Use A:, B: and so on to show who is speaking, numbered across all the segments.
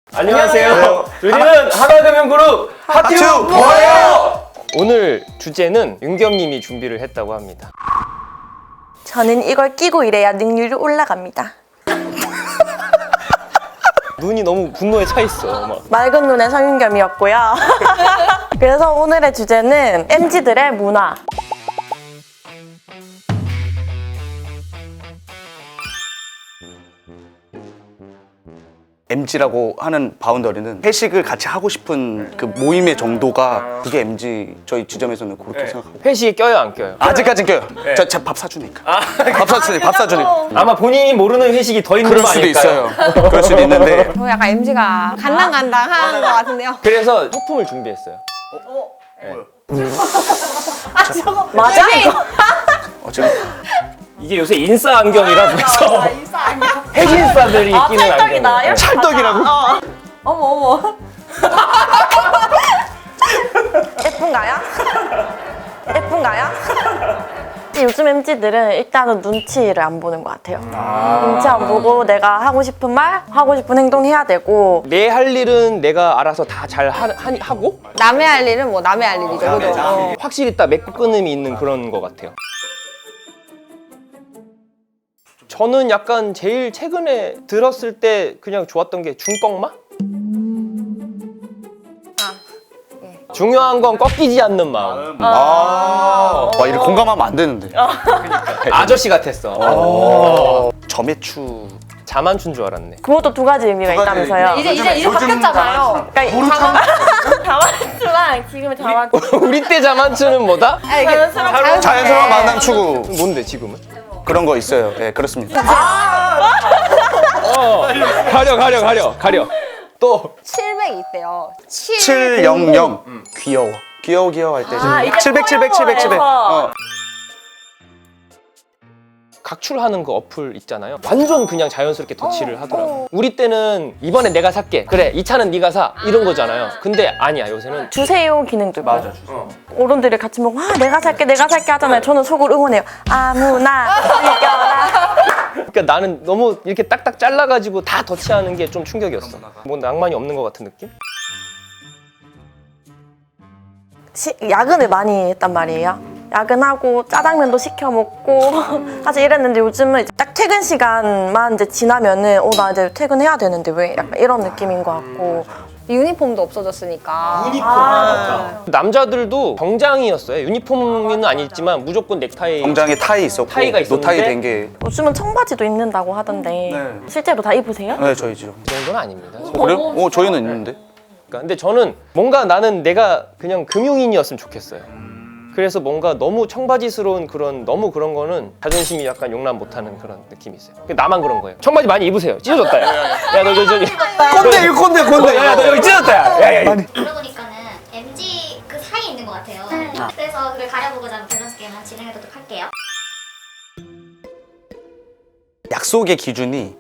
A: 안녕하세요. 저희는 하나금융그룹 하튜버예요. 오늘 주제는 윤겸님이 준비를 했다고 합니다.
B: 저는 이걸 끼고 일해야 능률이 올라갑니다.
A: 눈이 너무 분노에 차 있어. 막.
B: 맑은 눈의 성윤겸이었고요. 그래서 오늘의 주제는 MZ들의 문화.
C: MZ라고 하는 바운더리는 회식을 같이 하고 싶은 그 모임의 정도가 그게 MZ 저희 지점에서는 그렇게 생각합니다.
A: 회식에 껴요, 안 껴요?
C: 아직까진 껴요. 저 밥 사주니까. 밥 사주니까.
A: 아마 본인이 모르는 회식이 더 있는
C: 그럴
A: 거
C: 수도
A: 아닐까요?
C: 있어요. 그럴 수도 있는데.
D: 저 약간 MZ가 간당간당한 것 같은데요.
A: 그래서 소품을 준비했어요.
B: 맞아?
C: 지금
A: 이게 요새 인싸 안경이라고 해서 핵인싸들이 끼는
B: 찰떡이다.
A: 안경.
C: 찰떡이라고?
B: 어머. 예쁜가요? 예쁜가요? 요즘 MZ들은 일단은 눈치를 안 보는 것 같아요. 눈치 안 보고 내가 하고 싶은 말, 하고 싶은 행동 해야 되고.
A: 내 할 일은 내가 알아서 다 잘 하고
D: 남의 할 일은 뭐 남의 할 일이죠. 그죠?
A: 확실히 딱 맺고 끊음이 있는 그런 것 같아요. 저는 약간 제일 최근에 들었을 때 그냥 좋았던 게 중꺾마? 중요한 건 꺾이지 않는 마음.
C: 와, 이렇게 공감하면 안 되는데.
A: 아저씨 같았어.
C: 점액추.
A: 자만춘 줄 알았네.
B: 그것도 두 가지 의미가 있다면서요.
D: 이제 바뀌었잖아요.
B: 그러니까 자만추랑 지금의 자만추.
A: 우리 때 자만춘은 뭐다?
C: 자연스러운 만남 추구.
A: 뭔데 지금은?
C: 그런 거 있어요. 네, 그렇습니다.
A: 가려. 또
D: 700이 있대요.
C: 700. 귀여워 할 때.
B: 이게
C: 700.
B: 커버에서.
A: 각출하는 그 어플 있잖아요. 완전 그냥 자연스럽게 터치를 하더라고. 우리 때는 이번에 내가 살게. 그래, 이 차는 네가 사. 이런 거잖아요. 근데 아니야, 요새는.
B: 주세요 기능도 있고. 맞아, 주세요. 어른들이 같이 먹고 내가 살게 하잖아요. 저는 속으로 응원해요. 아무나 이겨라.
A: 그러니까 나는 너무 이렇게 딱딱 잘라가지고 다 터치하는 게 좀 충격이었어. 뭐 낭만이 없는 것 같은 느낌?
B: 야근을 많이 했단 말이에요. 야근하고 짜장면도 시켜 먹고 사실 이랬는데 요즘은 이제 딱 퇴근 시간만 이제 지나면은 나 이제 퇴근해야 되는데 왜 약간 이런 느낌인 것 같고.
D: 유니폼도 없어졌으니까.
A: 남자들도 정장이었어요. 유니폼은 아니지만 무조건 넥타이.
C: 정장에 타이 있었고
A: 타이가 있었는데?
C: 노타이 된 게.
B: 요즘은 청바지도 입는다고 하던데
C: 네.
B: 실제로 다 입으세요?
C: 네, 저희 지점.
A: 그 정도는 아닙니다.
C: 그래요? 저희는 있는데.
A: 그러니까 근데 저는 뭔가 나는 내가 그냥 금융인이었으면 좋겠어요. 그래서 뭔가 너무 청바지스러운 너무 그런 거는 자존심이 약간 용납 못하는 그런 느낌이 있어요. 나만 그런 거예요. 청바지 많이 입으세요. 찢어졌다. 야, 너 저기. 꼰대. 야, 너 여기 찢어졌다. 야.
E: 들어보니까는 MG 그 사이에 있는 것 같아요. 그래서 그걸 가려보고자 하는 밸런스 게임 한번 진행해보도록 할게요.
C: 약속의 기준이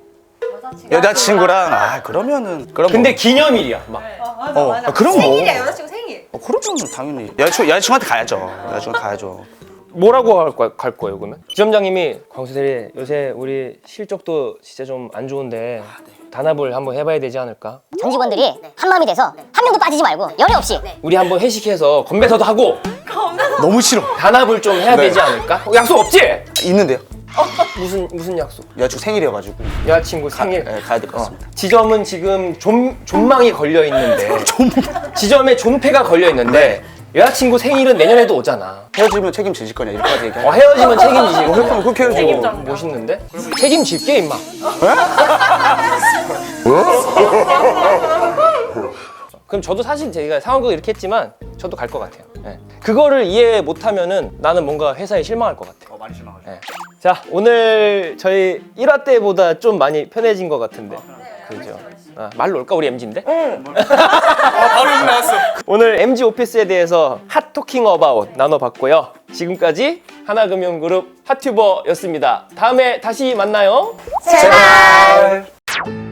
C: 여자친구랑 그러면은
A: 근데 기념일이야. 막.
C: 그럼 뭐.
D: 여자친구 생일.
C: 그러면 당연히 여자친구한테 가야죠. 여자친구한테 가야죠.
A: 뭐라고 갈 거예요, 그러면? 지점장님이 광수대리 요새 우리 실적도 진짜 좀 안 좋은데 단합을 한번 해봐야 되지 않을까?
F: 전 직원들이 한마음이 돼서 한 명도 빠지지 말고 연애 없이
A: 우리 한번 회식해서 건배사도 하고
C: 너무 싫어.
A: 단합을 좀 해야
C: 네.
A: 되지 않을까? 약속 없지?
C: 있는데요.
A: 무슨 약속?
C: 여자친구 생일이어가지고
A: 여자친구 생일.
C: 네, 가야 될 것 같습니다.
A: 지점은 지금 존망이 걸려 있는데 지점에 존폐가 걸려 있는데 여자친구 생일은 내년에도 오잖아.
C: 헤어지면 책임지실 거냐 이렇게까지 얘기하죠.
A: 헤어지면 책임지시고
C: 그럼 그렇게 해야죠.
A: 멋있는데? 책임질게 임마. 그럼 저도 사실 제가 상황극 이렇게 했지만 저도 갈 것 같아요. 네. 그거를 이해 못하면은 나는 뭔가 회사에 실망할 것 같아요.
C: 많이 실망하죠.
A: 네. 자, 오늘 저희 1화 때보다 좀 많이 편해진 것 같은데. 그죠? 말로 올까? 우리 MZ인데?
C: 바로 욕 나왔어.
A: 오늘 MZ 오피스에 대해서 핫토킹 어바웃 나눠봤고요. 지금까지 하나금융그룹 핫튜버였습니다. 다음에 다시 만나요.
B: 제발.